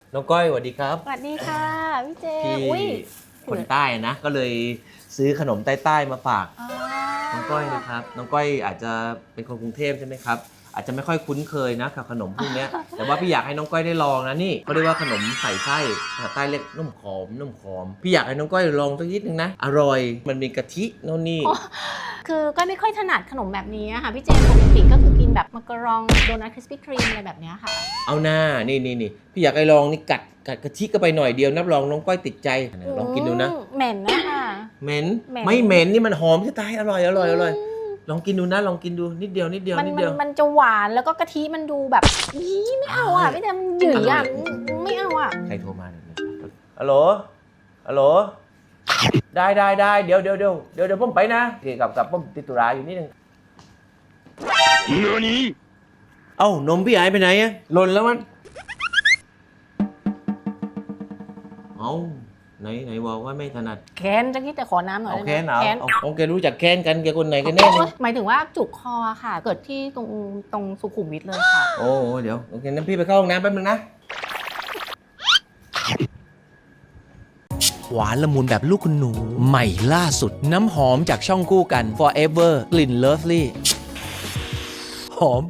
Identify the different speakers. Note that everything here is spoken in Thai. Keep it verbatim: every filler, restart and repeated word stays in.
Speaker 1: น้องก้อยสวัสดีครับ
Speaker 2: สวัสดีค่ะพี่เจ
Speaker 1: พี่
Speaker 2: อุ้ย
Speaker 1: คนใต้นะก็เลยซื้อขนมใต้ๆมาฝาก
Speaker 2: อ๋อ
Speaker 1: น้องก้อยนะครับน้องก้อยอาจจะเป็นคนกรุงเทพใช่ไหมครับอาจจะไม่ค่อยคุ้นเคยนะกับขนมพวกเนี้ย แต่ว่าพี่อยากให้น้องก้อยได้ลองนะนี่เขาเรียกว่าขนมใส่ไส้ภาษาใต้เรียกนุ่มขอมนุ่มขอมพี่อยากให้น้องก้อยลองสักนิดนึงนะอร่อยมันมีกะทิโน่นนี่
Speaker 2: คือก็ไม่ค่อยถนัดขนมแบบนี้อะค่ะพี่เจปกติก็คือกินแบบมักกะรองโดนัทคริสปี้ครีมอะไรแบบเนี้ยค่ะ
Speaker 1: เอาหน้านี่นี่นี่พี่อยากให้ลองนี่กัดกัดกะทิก็ไปหน่อยเดียวนับรองน้องก้อยติดใจลองกินดูนะ
Speaker 2: อืมเหม็นนะคะ
Speaker 1: เหม็น
Speaker 2: เหม็น
Speaker 1: ไม่เหม็นนี่มันหอมที่ตายอร่อยอร่อยอร่อยลองกินดูนะลองกินดูนิดเดียวนิดเดียว
Speaker 2: มัน
Speaker 1: นิด
Speaker 2: มั
Speaker 1: เดี
Speaker 2: น
Speaker 1: ยว
Speaker 2: มันจะหวานแล้วก็กะทิมันดูแบบอีไม่เอาอ่ะพี่เจมันหยืดอ่ะไม่เอาอ่ะ
Speaker 1: ใครโทรมาเนี่ยฮัลโหลฮัลโหลได้ได้ได้เดี๋ยวเดี๋ยวเดี๋ยวเดี๋ยวเดี๋ยวผมไปนะโอเคกับกับผมติดธุระอยู่นิดนึงเอ้านมพี่หายไปไหนอะหล่นแล้วมันเอ้าไหนไหนบอกว่าไม่ถนัด
Speaker 2: แค้นจะคิดแต่ขอน้ำหน่อย
Speaker 1: เอา
Speaker 2: ได้ไหม
Speaker 1: แค้นเอา
Speaker 2: แค้น
Speaker 1: เอาโอเครู้จักแค้นกันแกคนไหนกันแน่เนี่ย
Speaker 2: หมายถึงว่าจุกคอค่ะ เกิดที่ตรงตรงสุขุมวิทเลยค่ะ
Speaker 1: โอ้โหเดี๋ยวโอเคนั้นพี่ไปเข้าห้องน้ำแป๊บนึงนะหวานละมุนแบบลูกคุณหนูใหม่ล่าสุดน้ำหอมจากช่องคู่กัน Forever กลิ่น Lovely หอม